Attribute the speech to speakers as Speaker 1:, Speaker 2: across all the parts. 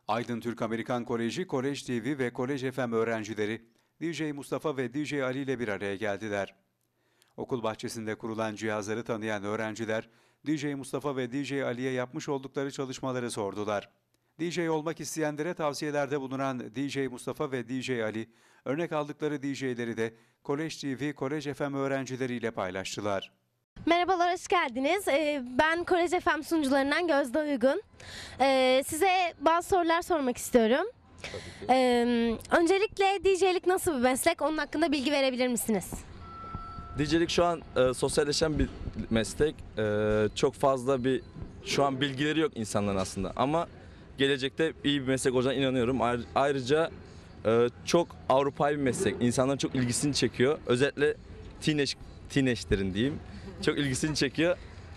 Speaker 1: Aydın Türk Amerikan Koleji, Kolej TV ve Kolej FM öğrencileri DJ Mustafa ve DJ Ali ile bir araya geldiler. Okul bahçesinde kurulan cihazları tanıyan öğrenciler, DJ Mustafa ve DJ Ali'ye yapmış oldukları çalışmaları sordular. DJ olmak isteyenlere tavsiyelerde bulunan DJ Mustafa ve DJ Ali, örnek aldıkları DJ'leri de Kolej TV, Kolej FM öğrencileriyle paylaştılar.
Speaker 2: Merhabalar, hoş geldiniz. Ben Kolej FM sunucularından Gözde Uygun. Size bazı sorular sormak istiyorum. Öncelikle DJ'lik nasıl bir meslek? Onun hakkında bilgi verebilir misiniz?
Speaker 3: DJ'lik şu an sosyalleşen bir meslek. Çok fazla şu an bilgileri yok insanların aslında. Ama gelecekte iyi bir meslek olacağına inanıyorum. Ayrıca çok Avrupa'yı bir meslek. İnsanların çok ilgisini çekiyor. Özellikle teenage'lerin diyeyim. Çok ilgisini çekiyor.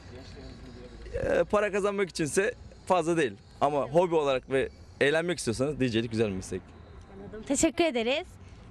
Speaker 3: Para kazanmak içinse fazla değil. Ama hobi olarak ve eğlenmek istiyorsanız DJ'lik güzel bir meslek.
Speaker 2: Anladım. Teşekkür ederiz.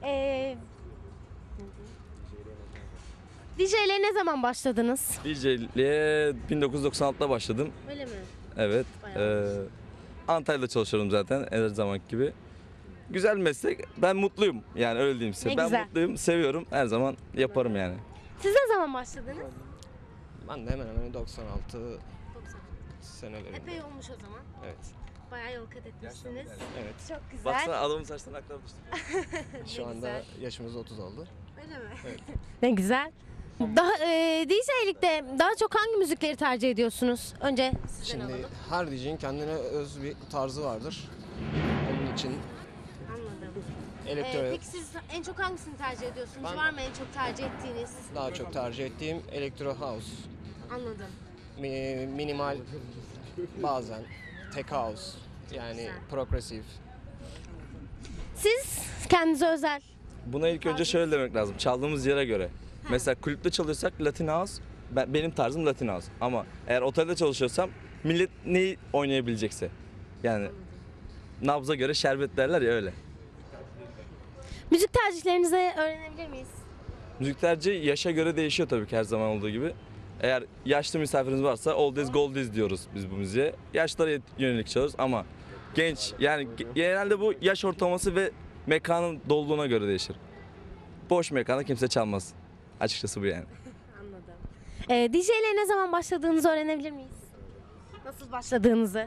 Speaker 2: DJ'liğe ne zaman başladınız?
Speaker 3: DJ'liğe 1996'da başladım.
Speaker 2: Öyle mi?
Speaker 3: Evet. Antalya'da çalışıyorum zaten her zamanki gibi. Güzel bir meslek. Ben mutluyum. Yani öyle diyeyim size.
Speaker 2: Ne
Speaker 3: Ben
Speaker 2: güzel.
Speaker 3: mutluyum, seviyorum. Her zaman yaparım yani.
Speaker 2: Siz ne zaman başladınız?
Speaker 4: Ben de hemen hemen 96
Speaker 2: 90.
Speaker 4: senelerinde.
Speaker 2: Epey olmuş o zaman.
Speaker 4: Evet.
Speaker 2: Bayağı yol kat etmişsiniz.
Speaker 4: Evet.
Speaker 2: Çok güzel.
Speaker 3: Baksana adamın saçlarını aktarı düştü.
Speaker 4: Şu anda
Speaker 2: güzel.
Speaker 4: yaşımız 30 oldu.
Speaker 2: Öyle mi?
Speaker 4: Evet.
Speaker 2: Ne güzel. DJ'likte daha çok hangi müzikleri tercih ediyorsunuz? Önce sizden
Speaker 4: Şimdi
Speaker 2: alalım.
Speaker 4: her DJ'in kendine öz bir tarzı vardır. Onun için
Speaker 2: Anladım.
Speaker 4: elektro
Speaker 2: Peki siz en çok hangisini tercih ediyorsunuz?
Speaker 4: Ben-
Speaker 2: Var mı en çok tercih ettiğiniz?
Speaker 4: daha çok tercih ettiğim elektro house,
Speaker 2: Anladım.
Speaker 4: minimal, bazen tech house, yani
Speaker 2: Güzel.
Speaker 4: progresif.
Speaker 2: Siz kendinize özel.
Speaker 3: Buna ilk önce şöyle demek lazım. Çaldığımız yere göre. Mesela kulüpte çalışsak Latin House, benim tarzım Latin House. Ama eğer otelde çalışıyorsam millet neyi oynayabilecekse. Yani nabza göre şerbet derler ya öyle.
Speaker 2: Müzik tercihlerinizi öğrenebilir miyiz?
Speaker 3: Müzik tercihi yaşa göre değişiyor tabii ki her zaman olduğu gibi. Eğer yaşlı misafiriniz varsa oldies goldies diyoruz biz bu müziğe. Yaşlara yönelik çalıyoruz ama genç yani genelde bu yaş ortalaması ve mekanın doluluğuna göre değişir. Boş mekanda kimse çalmaz. Açıkçası bu yani.
Speaker 2: Anladım. DJ'liğe ne zaman başladığınızı öğrenebilir miyiz? Nasıl başladığınızı?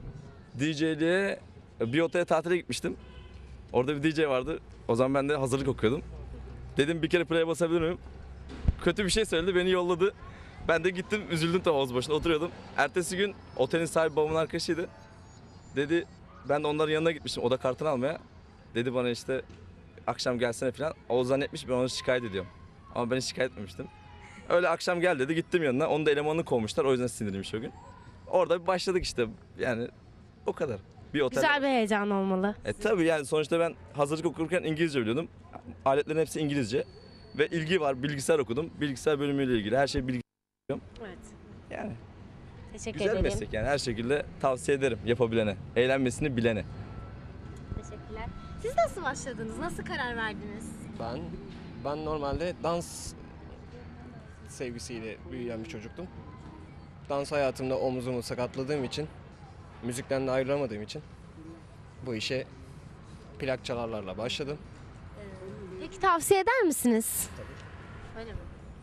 Speaker 3: DJ'liğe bir otele tatile gitmiştim. Orada bir DJ vardı. O zaman ben de hazırlık okuyordum. Dedim bir kere play'e basabilir miyim? Kötü bir şey söyledi, beni yolladı. Ben de gittim, üzüldüm tam havuz başında oturuyordum. Ertesi gün otelin sahibi babamın arkadaşıydı. Dedi, ben de onların yanına gitmiştim, oda kartını almaya. Dedi bana işte akşam gelsene falan. O zannetmiş ben onu şikayet ediyorum. Ama ben hiç şikayet etmemiştim. Öyle akşam gel dedi, gittim yanına. Onu da elemanını kovmuşlar, o yüzden sinirliymiş o gün. Orada bir başladık işte, yani o kadar. Bir otel.
Speaker 2: Güzel bir heyecan olmalı.
Speaker 3: Tabii yani sonuçta ben hazırlık okurken İngilizce biliyordum. Aletlerin hepsi İngilizce. Ve ilgi var, bilgisayar okudum. Bilgisayar bölümüyle ilgili her şey bilgisayar.
Speaker 2: Evet.
Speaker 3: Yani
Speaker 2: Teşekkür
Speaker 3: güzel
Speaker 2: ederim.
Speaker 3: meslek yani her şekilde tavsiye ederim yapabilene, eğlenmesini bilene.
Speaker 2: Teşekkürler. Siz nasıl başladınız? Nasıl karar verdiniz?
Speaker 4: Ben normalde dans sevgisiyle büyüyen bir çocuktum. Dans hayatımda omzumu sakatladığım için, müzikten de ayrılamadığım için bu işe plak çalarlarla başladım.
Speaker 2: Peki tavsiye eder misiniz? Tabii. Öyle mi?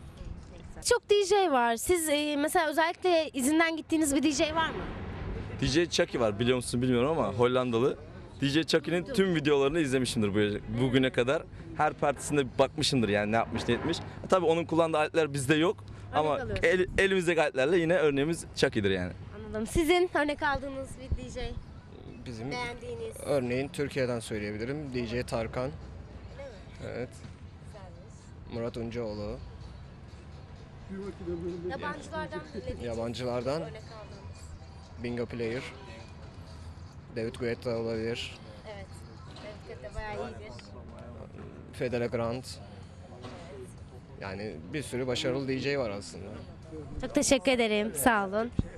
Speaker 2: Çok DJ var. Siz mesela özellikle izinden gittiğiniz bir DJ var mı?
Speaker 3: DJ Chucky var biliyor musun bilmiyorum ama Hollandalı. DJ Chucky'nin tüm videolarını izlemişimdir bugüne kadar. Her partisinde bakmışımdır yani ne yapmış ne etmiş. Tabii onun kullandığı aletler bizde yok. Ama
Speaker 2: alıyorsun.
Speaker 3: elimizdeki aletlerle yine örneğimiz Chucky'dir yani.
Speaker 2: Anladım. Sizin örnek aldığınız bir DJ,
Speaker 4: Bizim
Speaker 2: beğendiğiniz.
Speaker 4: örneğin Türkiye'den söyleyebilirim. DJ Tarkan. Evet. Murat Uncaoğlu.
Speaker 2: Yabancılardan dinlediğiniz
Speaker 4: Yabancılardan
Speaker 2: örnek aldığınız.
Speaker 4: Bingo Player. David Guetta olabilir.
Speaker 2: Evet. Evet, de bayağı iyidir.
Speaker 4: Fedele Grant. Yani bir sürü başarılı DJ var aslında.
Speaker 2: Çok teşekkür ederim. Sağ olun.